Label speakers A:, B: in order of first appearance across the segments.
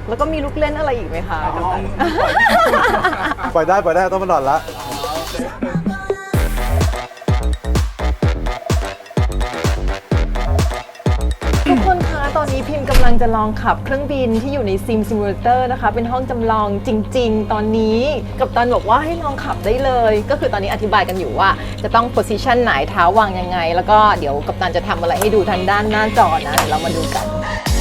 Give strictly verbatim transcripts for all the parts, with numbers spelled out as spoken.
A: แล้วก็มีลูกเล่นอะไรอีกไหมคะกัปตัน
B: ปล่อยได้ปล่อยได้ต้องมาหลอดละ
A: ทุกคนคะตอนนี้พิมพ์กำลังจะลองขับเครื่องบินที่อยู่ในซิมซิมูเลเตอร์นะคะเป็นห้องจำลองจริงๆตอนนี้กัปตันบอกว่าให้ลองขับได้เลยก็คือตอนนี้อธิบายกันอยู่ว่าจะต้องโพสิชันไหนเท้าวางยังไงแล้วก็เดี๋ยวกัปตันจะทำอะไรให้ดูทางด้านหน้าจอนะเดี๋ยวเรามาดูกัน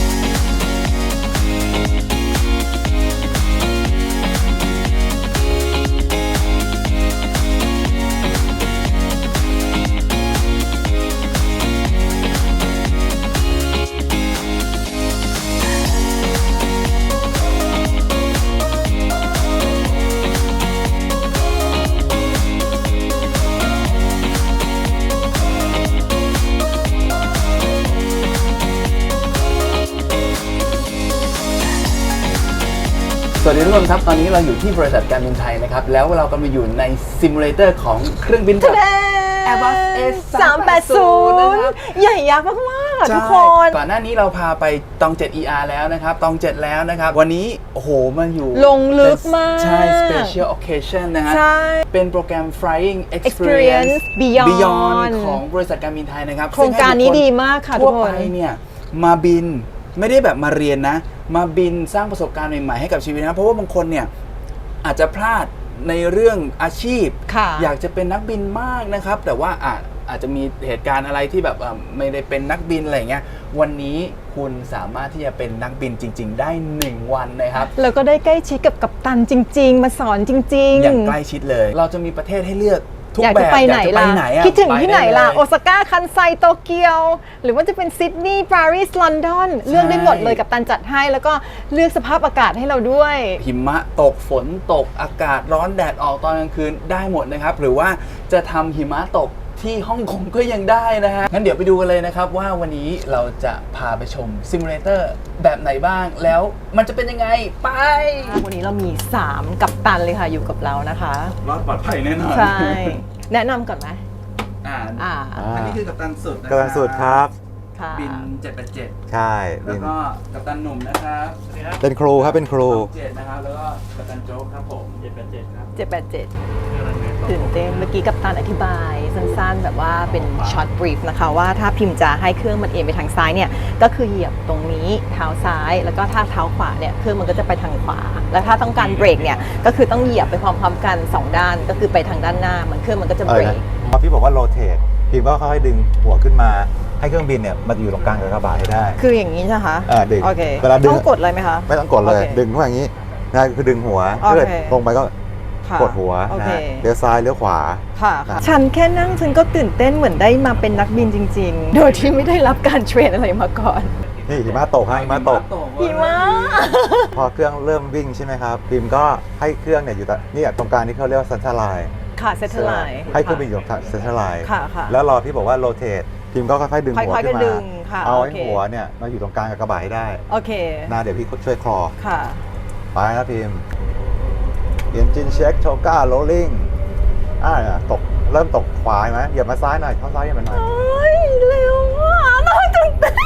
C: สวัสดีทุกคนครับตอนนี้เราอยู่ที่บริษัทการบินไทยนะครับแล้วเรากำลังอยู่ในซิมูเลเตอร์ของเครื่องบินแบบ Airbus เอ
A: สามแปดศูนย์ ใหญ่ยักษ์มากๆทุกคน
C: ก่อนหน้านี้เราพาไปตองเจ็ด อี อาร์ แล้วนะครับตองเจ็ดแล้วนะครับวันนี้โอ้โหมาอยู่
A: ลงลึกมาก
C: ใช่ special occasion นะฮะ
A: ใช่
C: เป็นโปรแกรม Flying
A: Experience
C: Experience
A: Beyond
C: Beyond ของบริษัทการบินไทยนะครับ
A: โครงการนี้ดีมากค่ะทุ
C: ทั่
A: ก
C: ว
A: ค
C: ไป
A: น
C: เนี่ยมาบินไม่ได้แบบมาเรียนนะมาบินสร้างประสบการณ์ใหม่ๆให้กับชีวิตนะเพราะว่าบางคนเนี่ยอาจจะพลาดในเรื่องอาชีพ
A: ค่ะ
C: อยากจะเป็นนักบินมากนะครับแต่ว่าอาจอาจจะมีเหตุการณ์อะไรที่แบบไม่ได้เป็นนักบินอะไรเงี้ยวันนี้คุณสามารถที่จะเป็นนักบินจริงๆได้หนึ่งวันนะครับ
A: แล้วก็ได้ใกล้ชิดกับกัปตันจริงๆมาสอนจริงๆ
C: อย่างใกล้ชิดเลย เราจะมีประเทศให้เลือกทุก
A: อยาก
C: แบ
A: จะ
C: บ
A: ไปไหน
C: อยากจะ
A: ล่ะ
C: ไปไหนอะ
A: คิดถึงที่ไหนล่ะ
C: ปด้
A: โอซาก้าคันไซโตเกียวหรือว่าจะเป็นซิดนีย์ปารีสลอนดอนเลือกได้หมดเลยกัปตันจัดให้แล้วก็เลือกสภาพอากาศให้เราด้วย
C: หิมะตกฝนตกอากาศร้อนแดดออกตอนกลางคืนได้หมดนะครับหรือว่าจะทำหิมะตกที่ฮ่องกงก็ยังได้นะฮะงั้นเดี๋ยวไปดูกันเลยนะครับว่าวันนี้เราจะพาไปชมซิมูเลเตอร์แบบไหนบ้างแล้วมันจะเป็นยังไงไป
A: วันนี้เรามีสามกัปตันเลยค่ะอยู่กับเรานะคะ
C: รอดปลอดภัยแน่นอน
A: ใช่ แนะนำก่อนไหม
C: อ่า
A: อ่า
C: อันนี้คือกัปตันสุดนะ
B: กำลังสุดครับ
A: ค่ะ
C: บินเจ็ดแปดเจ็ด
B: ใช่
C: แล้วก็กัปตันหนุ่มนะครับสวัสดีครับ
B: เป็นครูครับเป็นครู
C: เจ็ดนะครับแล้วก็กัปตันโจ๊กครับผมเจ็ดแปดเจ็ดครับ
A: เจ็ดแปดเจ็ดตื่นเต้นเมื่อกี้กัปตันอธิบายสั้นๆแบบว่าเป็นช็อตบรีฟนะคะว่าถ้าพิมพ์จะให้เครื่องมันเอ็นไปทางซ้ายเนี่ยก็คือเหยียบตรงนี้เท้าซ้ายแล้วก็ถ้าเท้าขวาเนี่ยเครื่องมันก็จะไปทางขวาแล้วถ้าต้องการเบรกเนี่ยก็คือต้องเหยียบไปพร้อมๆกันสองด้านก็คือไปทางด้านหน้ามันเครื่องมันก็จะ
B: เอ
A: เบ
B: อ
A: ร
B: นะ
A: ก
B: พอพี่บอกว่าโรเตทพิมก็ค่อยๆดึงหัวขึ้นมาให้เครื่องบินเนี่ยมันอยู่ตรงกลางกับกระบะให้ได้
A: คืออย่างนี้ใช่ไหมคะ
B: อ่าดึง
A: โอเค
B: เวลาดึง
A: ต้องกดเลยไหมคะ
B: ไม่ต้องกดเลย
A: โอเค
B: ดึงเข้ามาอย่างนี้นะคือดึงหัว
A: โอเค
B: ถ้าเกิดลงไปก็
A: ค่ะ
B: กดหัว
A: โอ
B: นะ
A: เค
B: ฮะเลี้ยวซ้ายเลี้ยวขวา
A: ค่ะค่ะฉันแค่นั่งฉันก็ตื่นเต้นเหมือนได้มาเป็นนักบินจริง ๆ โดยที่ไม่ได้รับการเทรนอะไรมาก่อน
B: นี่หิมะตกฮะหิมะตก
A: หิมะ
B: พอเครื่องเริ่มวิ่งใช่ไหมครับพิมก็ให้เครื่องเนี่ยอยู่ตรงนี่ตรงกลางที่เขาเรียกว่าซันทาไลน์
A: ค่ะเซตเทอร์ไลน์
B: ให้เครื่องบินอยู่ตรงซันทาไลน์
A: ค่ะค่ะ
B: แล้วรอพี่บอกว่าโรเตทพิมก็ค่อยๆดึงหัว
A: ค่อยๆ
B: ขึ้น
A: ดึ
B: มาง
A: ค่ะ
B: เอา
A: โอ
B: ให้
A: เค
B: หัวเนี่ยมาอยู่ตรงกลางกับกระบะให้ได้
A: โอเค
B: นะเดี๋ยวพี่ช่วยคลอ
A: ค่ะ
B: ไปครับพิมเอนจินเช็คโชก้าโรลลิ่งอ่าเนี่ยตกเริ่มตกขวาไหมเหยียบมาซ้ายหน่อยเข้าซ้ายเหยียบมาหน่อย
A: เฮ้ยเร็วอ่ะน่าตื่นเต้น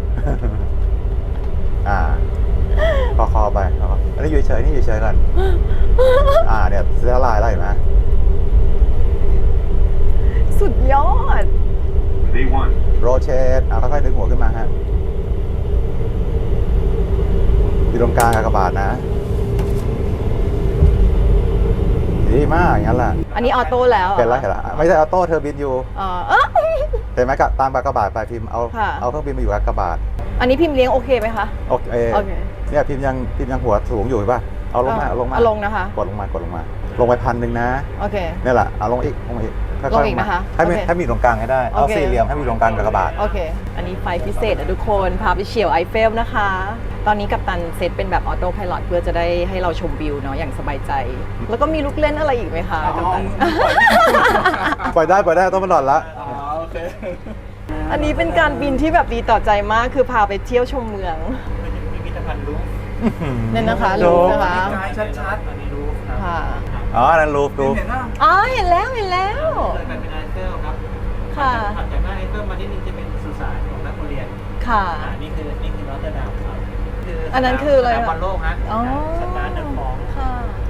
B: อ่าคอคอไปคออันนี้อยู่เฉยนี่อยู่เฉยก่อนอ่าเนี่ยเสื้อลายอะไรเห็นไหม
A: สุดยอด
B: โรเชตอ่าค่อยๆดึงหัวขึ้นมาฮะอยู่ตรงกลางกระบาดนะดีมากอย่างนั้นแหละ
A: อันนี้ออโต้แล้ว
B: เห็นแล้วเห็นแล้วไม่ใช่ออโต้เทอร์บินอยู่
A: เออเอ้อ
B: เห็นไหมกับตามกระบาดไปพิมพ์เอา
A: ค่ะ
B: เอาเครื่องบินมาอยู่กับกระบาด
A: อันนี้พิมพ์เลี้ยงโอเคไหมคะ
B: โอเค
A: โอเค
B: เนี่ยพิมพ์ยังพิมพ์ยังหัวสูงอยู่เห็นป่ะเอาลงมาเอาลงมา
A: เอาลงนะคะ
B: กดลงมากดลงมา ลงไปพันหนึ่งนะ
A: โอเค
B: นี่แหละเอาลงอีกลงอีกค่อยๆ
A: ลงอีกนะคะ
B: ให้มี
A: โอเค
B: ให้มีตรงกลางให้ได้เอา
A: โอเค
B: สี่เหลี่ยมให้มีตรงกลางกับกระบาด
A: โอเค อันนี้ไฟพิเศษนะทุกคนพาไปเฉี่ยวไอเฟลนะคะ ตอนนี้กัปตันเซตเป็นแบบออโต้ไพลอตเพื่อจะได้ให้เราชมวิวเนาะอย่างสบายใจ แล้วก็มีลูกเล่นอะไรอีกไหมคะกัปตัน
B: ปล่อยได้ปล่อยได้ต้องมาหลอดละ
C: อ๋อโอเค
A: อันนี้เป็นการบินที่แบบดีต่อใจมากคือพาไปเที่ยวชมเมือง
C: พิพิธภัณฑ์รูป
A: นั่นนะคะรูปนะคะ
C: กายชัดๆอันนี้รูปครับ
A: ค่ะ
B: อ๋อนั่นรูปรูป
C: เห็นป่ะ
A: อ๋อเห็นแล้วเห็นแล้ว
D: เกิดเป็นไอเฟลครับ
A: ค่ะ
D: ถัดจากหน้าไอเฟลมาที่นี่จะเป็นสุสานของนักเรียน
A: ค่ะ
D: อ่านี่คือนี่คือรอตเตอร์ดัมครับ คือ
A: อันนั้นคืออะไร
D: สนาม
A: อะ
D: บอลโลกฮะ
A: อ๋อ
D: สตาร์ทเดอะฟอง
A: ค่ะ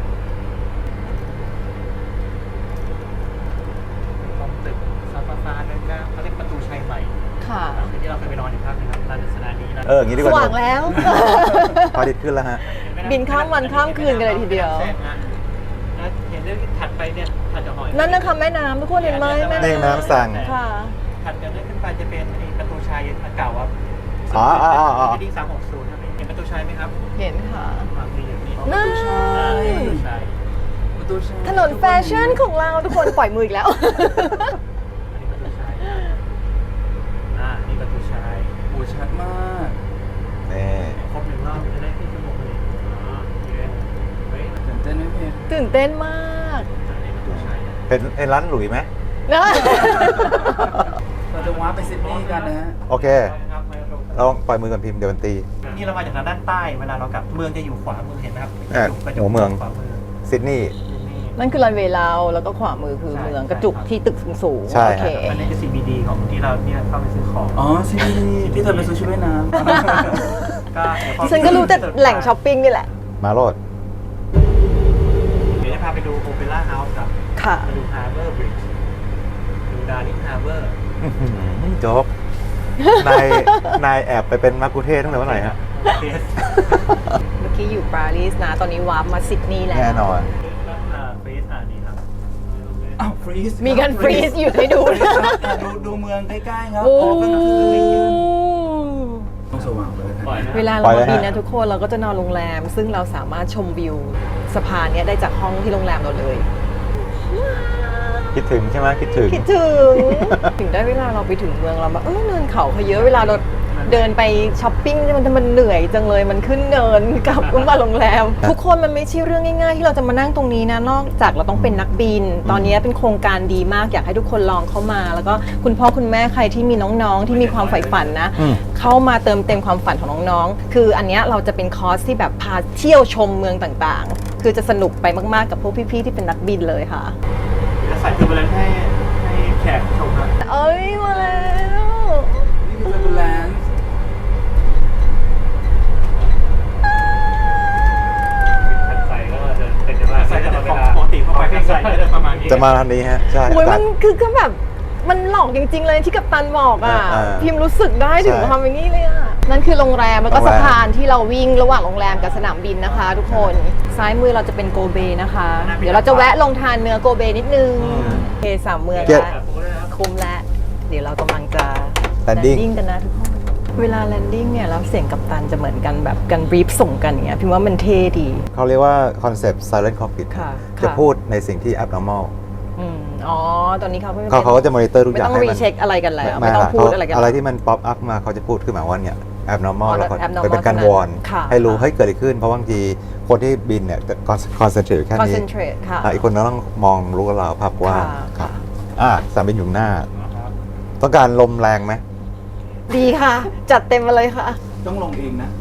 D: ตรงตึกซาฟาฟานั่นก็เขาเรียกประตูชัยใหม่
A: ค่ะ
D: ที่เราเคยไปนอนอยู่ภาคนึงครับราชสนานีนะ
B: เอออย่างนี้ดีก
A: ส
B: ว่า
A: ว่างแล้ว
B: พระอาทิตย์ขึ้นแล้วฮะ
A: บินข้ามวันข้ามคืนกันเลยทีเดียว
D: แซงฮะแล้วเห็นเรื่องถัดไปเนี่ยถัดจากหอย
A: นั่นนะคะแม่น้ำทุกคนเห็นไหมแม่
B: นี่น้ำสั่ง
A: ค่ะ
D: ถัดจากนั้นขึ้นไปจะเป็นไอ้ประตูชัยอันเก่าครับ
B: อ๋ออ๋ออ๋ออ๋อ
D: ดิ้งสามหกศูนย์ครับเห็นประตูชัยไหมครับ
A: เห็นค่ะ
D: วางมีอยู่นี่
A: นั่น
D: อ่านี่ประตูชัย
C: ประตูชัย
A: ถนนแฟชั่นของเราทุกคนปล่อยมืออีกแล้ว
D: อันนี้ประตูชัยอ่านี่ประตูชัย
C: โอ้ชัดมาก
B: นี่
D: ครบหนึ่งรอบจะได้ขึ้นชั่วโมงเลยอ๋อโอเคเฮ้ย
C: ตื่นเต้นไหมเพน
A: ตื่นเต้นมาก
D: อันนี้ประตูชัยนะ
B: เป็นไอ้ร้านหลุยไหม
A: นะ
C: เราจะว้าร์ปไปซิดนีย์กันนะฮะ
B: โอเค เราปล่อยมือก่อนพิมพ์เดี๋ยวมันตี
D: นี่เรามาจากทางด้านใต้เวลาเรากลับเมืองจะอยู่ขวามือเห็นไหมครับ
B: อ่ะ
D: กระจก
B: หัวเมือง
D: ขวามือ
B: ซิดนีย์
D: นี่
A: นั่นคือรันเวย์เราแล้วก็ขวามือคือ
D: ใช่
A: เมืองกระจุกที่ตึกสูงๆ
B: ใช่
A: โอเค
D: อันนี้คือ ซี บี ดี ของที่เราเนี่ยเข้าไปซื้อของ
C: อ๋อซีดีที่เธอไปซื้อชุดว่ายน้ำ
D: ก็เดี๋ยวพอ
A: ฉันก็รู้แต่แหล่งช้อปปิ้งนี่แหละ
B: มาโรด
D: เดี๋ยวจะพาไปดูโอเปร่าเฮาส์ครับ
A: ค่ะ
D: ไปดูฮาร์เบอร์บริดจ์ดูดาร์ลิงฮาร์เบอร์
B: อื้อหือจบนายนายแอบไปเป็นมักคุเทศตั้งแต่เมื่อไหร่ฮะ
D: เฟส
A: เมื่อกี้อยู่ปารีสนะ ตอนนี้วาร์ปมาซิดนีย์แล้ว
B: แน่นอน
D: เฟสอ่านี่ครับ
C: อ้าวฟรีซ
A: มีการฟรีซอยู่ให้ดู
C: ดูดูเมืองใกล้ๆครับ
A: โอ้
C: ออกกลางคืนต้องสว่างเลยนะ
D: ปล่อยนะ
A: เวลา
B: ปล่
A: เรา
B: อยเลย
A: บิน
B: ฮะ
A: นะทุกคนเราก็จะนอนโรงแรม ซึ่งเราสามารถชมวิวสะพานเนี้ยได้จากห้องที่โรงแรมเราเลย
B: คิดถึงใช่ไหมคิดถึง
A: คิดถึง ถึงได้เวลาเราไปถึงเมืองเราแบบเออเนินเขาเขาเยอะเวลาเราเดินไปช้อปปิ้งมันมันเหนื่อยจังเลยมันขึ้นเนินกลับมาโรงแรม ทุกคนมันไม่ใช่เรื่องง่ายๆ ที่เราจะมานั่งตรงนี้นะนอกจากเราต้องเป็นนักบิน ตอนนี้เป็นโครงการดีมากอยากให้ทุกคนลองเข้ามา แล้วก็คุณพ่อคุณแม่ใครที่มีน้องๆ ที่มีความใฝ่ฝันนะ
B: อืม
A: เข้ามาเติมเต็มความฝันของน้องๆ คืออันเนี้ยเราจะเป็นคอร์สที่แบบพาเที่ยวชมเมืองต่างๆ คือจะสนุกไปมากๆกับพวกพี่ๆที่เป็นนักบินเลยค่ะ
D: จะใส่คือไปเลยให้ให้แขกชมครับ
A: เอ้ยมาแล้ว
C: นี่คือเทอร์บูแลนซ์
D: ขัดใส่ก็จะเป็นจะว่าใส่แต่ของปกติเข้าไปขัดใส่ก็จะประมาณนี้
B: จะมาทางนี้ฮะ ใช่
A: โอ้ย
B: ตั
A: มั
B: ด
A: นคือก็แบบมันหลอกจริงๆเลยที่กัปตันบอกอ่ะ
B: อ่า
A: พิมรู้สึกได้ถึง
B: ใช่
A: ความอย่างนี้เลยอ่ะ นั่นคือโรงแรมแล้วก็
B: โรงแร
A: สะ
B: ม
A: พานที่เราวิ่งระหว่างโรงแรมกับสนามบินนะคะ ทุกคน ซ้ายมือเราจะเป็นโกเบนะคะ เดี๋ยวเราจะแวะลงทานเนื้อโกเบนิดนึงโอเคสามเมือง
B: เจ็ด
A: แล้วคุ้มแล้ว เดี๋ยวเรากำลังจะ
B: Landing
A: landing กันนะทุกคน เวลา landing เนี่ยแล้วเสียงกัปตันจะเหมือนกันแบบกันบรีฟส่งกันอย่างเงี้ยพิมว่ามันเท่ดี
B: เขาเรียกว่าคอนเซปต์ silent cockpit
A: ค่ะ
B: จะ
A: ค่ะ
B: พูดในสิ่งที่ abnormal
A: อืมอ๋อ ตอนนี้เขาไม่
B: เขาเขาก็จะมอนิเตอร์ทุกอ
A: ไม่
B: ย่าง
A: ต้อง
B: ให้
A: รี
B: มัน
A: เช็คอะไรกันแล้ว ไม่ต้อง
B: ค่ะ
A: พูดอะไรกัน
B: อะไร
A: แล้ว
B: ที่มัน ป๊อปอัพมาเขาจะพูดขึ้นมาว่าเนี่ย abnormal
A: อ๋อ
B: แล้วเขา
A: abnormal
B: เป็นการ
A: เท่านั้น
B: วอน
A: ค่ะ
B: ให้รู้
A: ค่ะ
B: ให้เกิดอะไรขึ้น เพราะบางทีคนที่บินเนี่ยจะ concentrate แค่นี้
A: concentrate ค่ะ
B: อ่ะอีกคนต้องมองรู้กับเราภาพกว่าง
A: ค่ะ
B: ครับอ่ะสนามบินอยู่หน้า ต้องการลมแรงไหม
A: ดีค่ะ จัดเต็มมาเลยค่ะ
C: ต้องลงเองนะ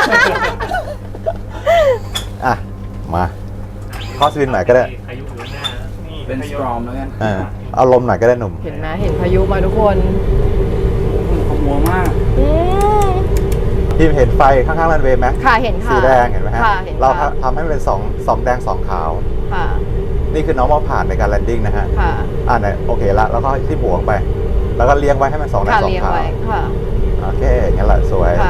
B: อ่ะ มาคอสบินไหนก็ได้
D: อายุอยู่หน้านี่
C: เป็นสตรอมแล้วกัน
B: อ่าเอาลมหน่อยก็ได้หนุ่ม
A: เห็นไหมเห็นพายุมาทุกคน
C: ขมัวมาก
A: อืม
B: พี่เห็นไฟข้างๆรันเวย์ไหม
A: ค่ะเห็นค่ะ
B: สีแดงเห็นไหมฮะ
A: ค่ะเห็น
B: เรา
A: ค่ะ
B: ทำให้มันเป็นสองสองแดงสองขาว
A: ค่ะ
B: นี่คือ normal ผ่านในการ landing นะฮะ
A: ค่ะ
B: อ่าไหนโอเคละแล้วก็ที่บวกไป แล้วก็เลี้ยงไว้ให้มันสองแดง
A: ค่ะ
B: สอง
A: เรียง
B: ขาว
A: ไว้ค่ะ
B: โอเคงั้นแหละสวย
A: ค่ะ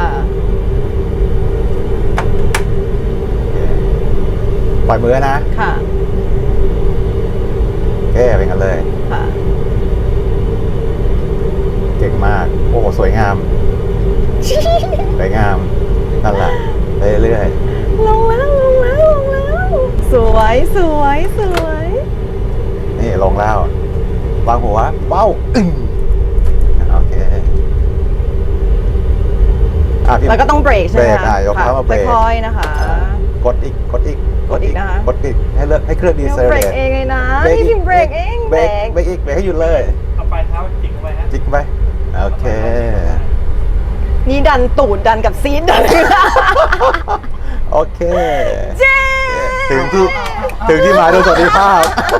B: โอเคปล่อยมือนะ
A: ค่ะ
B: โอเคเป็นกันเลย
A: ค่ะ
B: เก่งมาก โอ้โหสวยงาม สวยงาม นั่นแหละไปเรื่อย
A: ลงแล้วลงแล้วลงแล้ว สวยสวยสวย
B: ๆนี่ลงแล้ว วางหัวเป้าอึ้งโอเคอ่ะพี่
A: แล้วก็ต้องเบรกใช่ไหม
B: เบรก
A: คะ
B: อ่ะยกเท้ามาเบรก
A: ค่อยๆนะคะ
B: กดอีก กดอีก
A: กดอีกนะคะ
B: กดอีก ให้เลือกให้เครื่องดี
A: เดี๋ยว
B: เซล
A: เบรก
B: เล
A: เองเลยนะ
B: เบรก
A: นี่
B: อี
A: พิ
B: ก
A: มเบรกเอง
B: เบรกเบรกอีก เบรกให้หยุดเลย
D: เอาปลายเท้าจิกเข้าไปฮะ
B: จิกไป โอเค
A: นี่ดันตูดดันกับซีดดัน
B: โอเค
A: เจ๊
B: ถึงที่ ถึงที่หมายโดยสวัสดิภาพ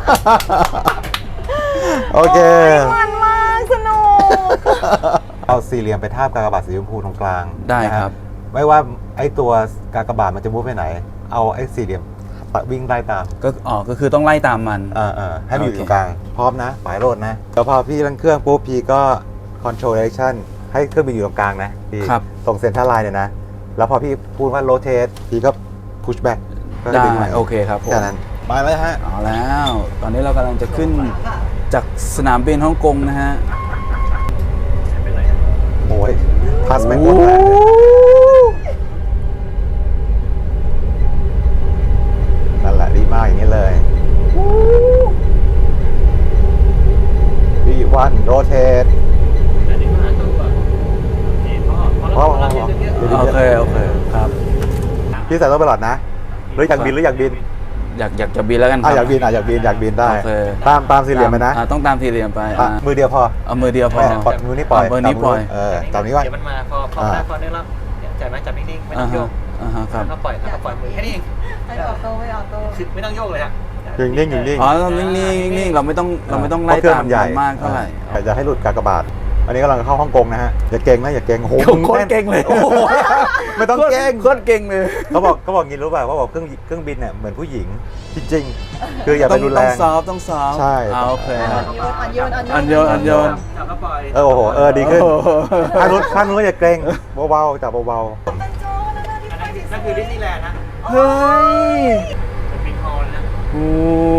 B: โอเค
A: มันมากสนุก
B: เอาสี่เหลี่ยมไปทาบกากบาทสีชมพูตรงกลาง
C: ได้
B: นะฮะ
C: ครับ
B: ไม่ว่าไอ้ตัวกากบาทมันจะมูฟไปไหน เอาไอ้สี่เหลี่ยมวิ่งไล่ตาม
C: ก็อ๋อก็คือต้องไล่ตามมัน
B: เออเออให้มันอยู่
C: โอเค
B: ตรงกลางพร้อมนะปลายโรดนะแล้วพอพี่เร่งเครื่องปุ๊บพี่ก็ control direction ให้เครื่องบินอยู่ตรงกลางนะพี่
C: ครับ
B: ตรงเซ็นทรัลไลน์เนี่ยนะ แล้วพอพี่พูดว่า rotate พี่ก็ push back ก็
C: ได้
B: ดึงมา
C: โอเคครับผม
B: แค่นั้นมาเลยฮะ
C: เอาแล้ว ตอนนี้เรากำลังจะขึ้นจากสนามบินฮ่องกงนะฮะ
B: โอ้ยพัสไม่หมดแล้วนั่นแหละดีมากอย่างนี้เลยดีวันโรเทต
D: อันนี้มาตู้ก่อนนี่พ่อพอแล้วพอแล้วเยอะ
C: โอเค โอเคครับ
B: พี่ใส่ต้องไปหลอดนะหรืออยากบินหรืออยากบิน
C: อยากอยากจะบินแล้วกันค
B: อ่ะ
C: รับ
B: อยากบินอ่ะอยากบินอยากบินได้
C: โอเค
B: ตามตามสี่เหลี่ยมไปนะ
C: อ่าต้องตามสี่เหลี่ยมไป
B: อ่ะ
C: อ่า
B: มือเดียวพอ
C: เอามือเดียวพอ
B: ไม่ปล่อยมือนี้ปล่อย
C: เอามือนี้ปล่อย
B: เออตามนี้ไว้
D: เดี๋ยวมันมาพอพอได้พอได้แล้วจับไหมจับนิ่งๆไม่ต้
C: อ่า
D: องโย
C: ฮะ
D: ก
C: อ่าฮะครับ
D: แล้วก็ปล่อยแล้วก็ปล่อยมือแค่นี้เอง
A: ไม่ออโต้ไม่ออโต้
D: คือไม่ต้องโยกเลยฮะ
B: อยู่นิ่งอยู่นิ่ง
C: อ๋อเรานิ่งๆนิ่งๆเราไม่ต้องเราไม่ต้องไล่
B: เพราะเครื่อง
C: ตาม
B: มันใหญ่
C: มันมากเท่าไหร่
B: แต่จะให้หลุดกากบาท อันนี้กำลังเข้าฮ่องกงนะฮะอย่าเก่งนะอย่าเก่งโอ้โห
C: โคตรเก่งเลย
B: โอ้โหไม่ต้องเก่ง
C: โคตรเก่งเลย
B: เขาบอกเขาบอกงี้รู้ป่ะเขาบอกเครื่องเครื่องบินเนี่ยเหมือนผู้หญิงจริงๆคืออย่าไป
C: ต้อง
B: รุนแร
C: ต้อง
B: ง
C: ซอฟต์ต้องซอฟต์
B: ใช่
C: อ่าโอเคครับ
A: อันโยน
C: อันโยนอันโยน
D: จับแล้วปล่อย
B: เออโอ้โหเออดีขึ้น
C: โอ้โห
B: ข้างนู้นข้างนู้นอย่าเกรงเบาๆจับเบา
D: อันนั้นนั่นคือดิสนีย์แลนด์นะ
C: เฮ้ย
D: เป็นบินฮอลนะ
C: โอ้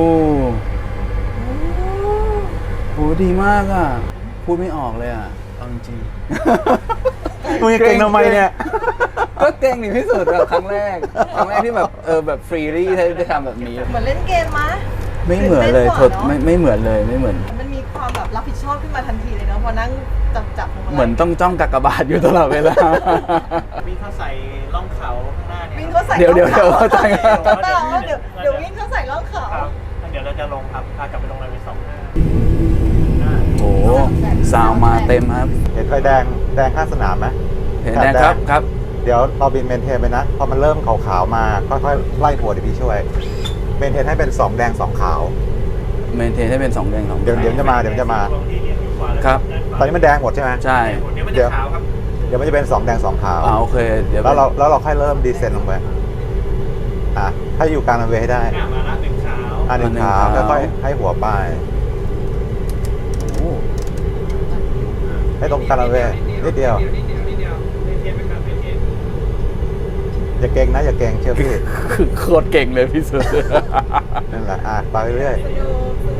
C: โหดีมากอ่ะ พูดไม่ออกเลยอ่ะเอาจริง
B: ๆมึงจะเกรงทำไมเนี่ย
C: ๆก็เก่งถึงที่สุดอะครั้งแรก ครั้งแรกที่แบบเออแบบฟรีรี่ได้ทำแบบนี้
A: เหมือนเล่นเกมมะ
C: ไม่เหมือนเลย
A: ตื่
C: ท
A: ต้
C: ด
A: กว่า
C: ไม่ไม่เหมือนเลยไม่เหมือน
A: มันมีความแบบรับผิดชอบขึ้นมาทันทีเลยเนาะพอนั่งจับจับพวงมาลัย
C: เหมือนต้องจ้องกากบาทอยู่ตลอดเวลา
D: วิ่งเข้าใส่ล่องเขาข้างหน้าเนี่ย
A: วิ่งเข้าใส่
C: เดี๋ยวเดี๋ยวเดี๋ยว
A: ร่อง
C: เข้าใจ
A: เขาตลอดว่าเดี๋ยวเดี๋ยววิ่งเข้าใส่ร่องเขา
D: ครับเดี๋ยวเราจะลงครับพากลับไปลงรายวิสองห้า
C: โอ้โหซาวมาเต็มครับ
B: เห็นไฟแดงแดงข้างสนามไหม
C: เห็นแดงครับครับ
B: เดี๋ยวเราบินเมนเทนไปนะ พอมันเริ่มขาวๆมาค่อยๆไล่หัวเดี๋ยวพี่ช่วย เมนเทนให้เป็นสองแดงสองขาว
C: เมนเทนให้เป็นสองแดงสอง
B: เดี๋ยวเดี๋ยวจะมาเดี๋ยวจะมา
C: ครับ
B: ตอนนี้มันแดงหมดใช่ไหม
C: ใช่
D: เดี๋ยวมันจะขาวครับ
B: เดี๋ยวมันจะเป็นสองแดงสองขาว
C: อ่าโอเคเดี๋ยว
B: แล้วเราแล้วเราค่อยเริ่มดีเซนลงไปอ่ะให้อยู่กลางรันเวย์ให้ได้
D: อ่ะมาละหนึ่งขาว
B: อ่ะหนึ่งขาวค่อยๆให้หัวป้าย
C: โอ้
B: ให้ตรงกลางรันเวย์นิดเดียว
D: นิดเดียวนิดเดียวเมนเทนไปก่อนเมนเทน
B: อย่าเก่งนะอย่าเก่งเชื่อพี่
C: คือโคตรเก่งเลยพี่สุด
B: นั่นแหละอ่ะไปเรื่อย
A: สนุกสนุก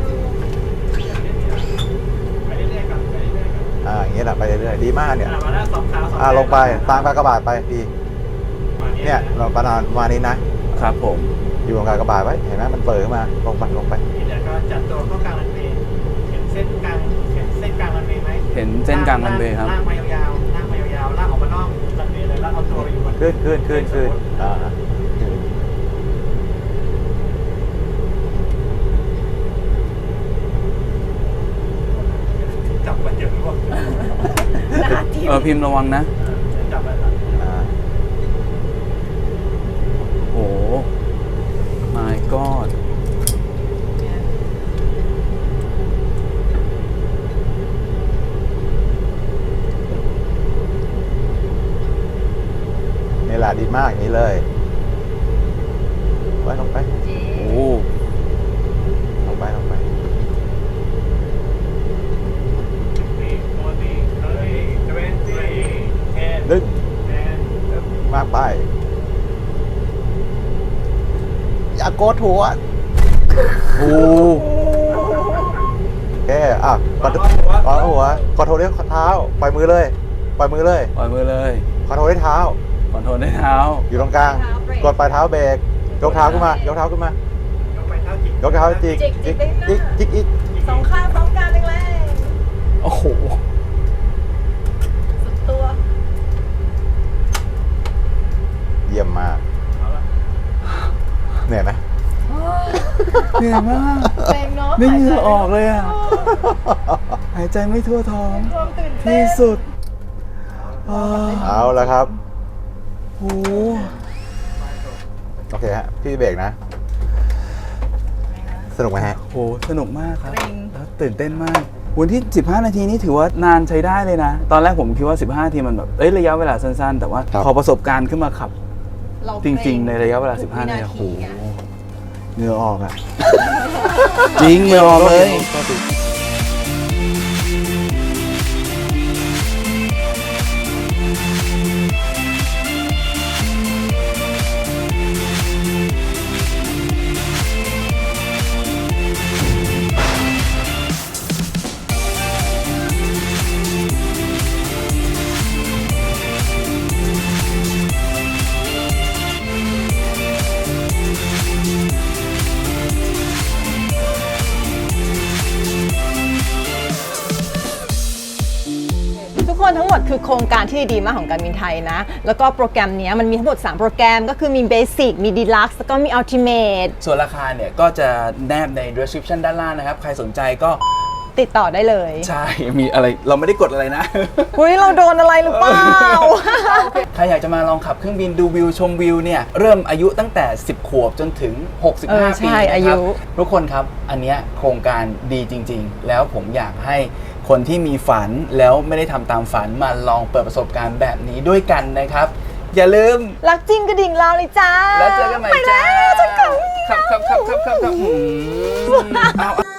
D: ไปเรื่อยๆก่อนไปเรื่อยๆก่อน
B: ๆอ่ะอย่างเงี้ยแหละไปเรื่อยๆดีมากเนี่ย
D: อ่ะมาแล้วสองขาวสอง
B: อ่ะลงไปตามกากบาทไปพี่
D: มา
B: เนี่ยเราประมาณประมาณนี้นะครับ
C: ผม
B: อยู่ตรงกากบาทไว้เห็นไหมมันเปิดขึ้นมาลงไปลงไป
D: เดี๋ยวก็จัดตัวเข้ากลางรันเวย์เห็นเส้นกลางเห็นเส้นกลางรันเวย์ไหม
C: เห็นเส้นกลางรันเวย์ครับ
D: ลากมายาวๆลากมายาวๆลากออกมานอกรันเวย์เลยแล้วเอาตัวไปอยู่บน
B: ขึ้นขึ้นขึ้นขึ้นอ่า
D: จับมันเยอะร่วง
A: หนาทิ่ม
C: เออพิมพ์ระวังนะ
D: จับมันก่อน
B: อ่า
C: โอ้ my god
B: นี่แหละดีมากอย่างนี้เลยไว้ลงไป
C: โอ้
B: ลงไปลงไป
D: นี่ตัวนี้เฮ้ยทเวนตี้เอ็น
B: ดึง
D: แอน
B: มากไปอย่าโกดหัว
C: โอ้
B: โอเคอ่ะกดวางหัวกดโทรด้วยเท้าปล่อยมือเลยปล่อยมือเลย
C: ปล่อยมือเลย
B: คอนโทรด้วยเท้า
C: คอนโทรลด้วยเท้า
B: อยู่ตรงกลางกดปลายเท้าเบรกยกเท้าขึ้นมายกเท้าขึ้นมาย
D: กไปเท้าจิก
B: ยกเท้าจิกจิกจิกจิกอีก
A: สองข้างพร้อมกันแรง
C: โอ้โห
A: ๆสุดตัว
B: เยี่ยมมาก
D: เอาละ
B: เหนื่อยไหม
C: เหนื่อยมาก
A: แรงเนาะ
C: ไม่เหงื่อออกเลยอ่ะ หายใจไม่ทั่วท้อง
A: ความตื่นเต้
C: ที่
A: น
C: สุดอ่า
B: เอาละครับ
C: โอ้
B: โอเคฮะพี่เบรกนะ สนุกไหมฮะ
C: โห สนุกมากครับ
A: เกรง
C: แล้วตื่นเต้นมาก
B: อ
C: วันที่สิบห้านาทีนี่ถือว่านานใช้ได้เลยนะ ตอนแรกผมคิดว่าสิบห้านาทีมันแบบเอ้ยระยะเวลาสั้นๆ แต่ว่า
B: ครับ
C: พอประสบการณ์ขึ้นมาขับ
A: เรา
C: จริง ๆ ในระยะเวลา
A: ทุ
C: สิ
A: ก
C: บห้า
A: วิ
C: นาทีโอ้โห
A: อะ
C: เหงื่อออกอ่ะ จริงเหงื่อออกเลย
A: ทุกคนทั้งหมดคือโครงการที่ดีมากของการบินไทยนะ แล้วก็โปรแกรมเนี้ยมันมีทั้งหมดสามโปรแกรมก็คือมี Basic มี Deluxe แล้วก็มี Ultimate
C: ส่วนราคาเนี่ยก็จะแนบใน description ด้านล่างนะครับ ใครสนใจก็
A: ติดต่อได้เลย
C: ใช่ มีอะไรเราไม่ได้กดอะไรนะ
A: อุ้ยเราโดนอะไรหรือเปล่า
C: ใครอยากจะมาลองขับเครื่องบินดูวิวชมวิวเนี่ยเริ่มอายุตั้งแต่ สิบ ขวบจนถึง หกสิบห้า
A: เออใช่
C: ปีนะ
A: อา
C: ค
A: ยุ
C: รับทุกคนครับอันเนี้ยโครงการดีจริง ๆ แล้วผมอยากให้คนที่มีฝันแล้วไม่ได้ทำตามฝันมาลองเปิดประสบการณ์แบบนี้ด้วยกันนะครับ อย่าลืม
A: รักจริงกระดิ่งเราเลยจ้า
C: แล้วเจอกันใหม่จ้า
A: ไปแล้วฉันกลับ
C: ครับครับครับครับครับครับอืมเอา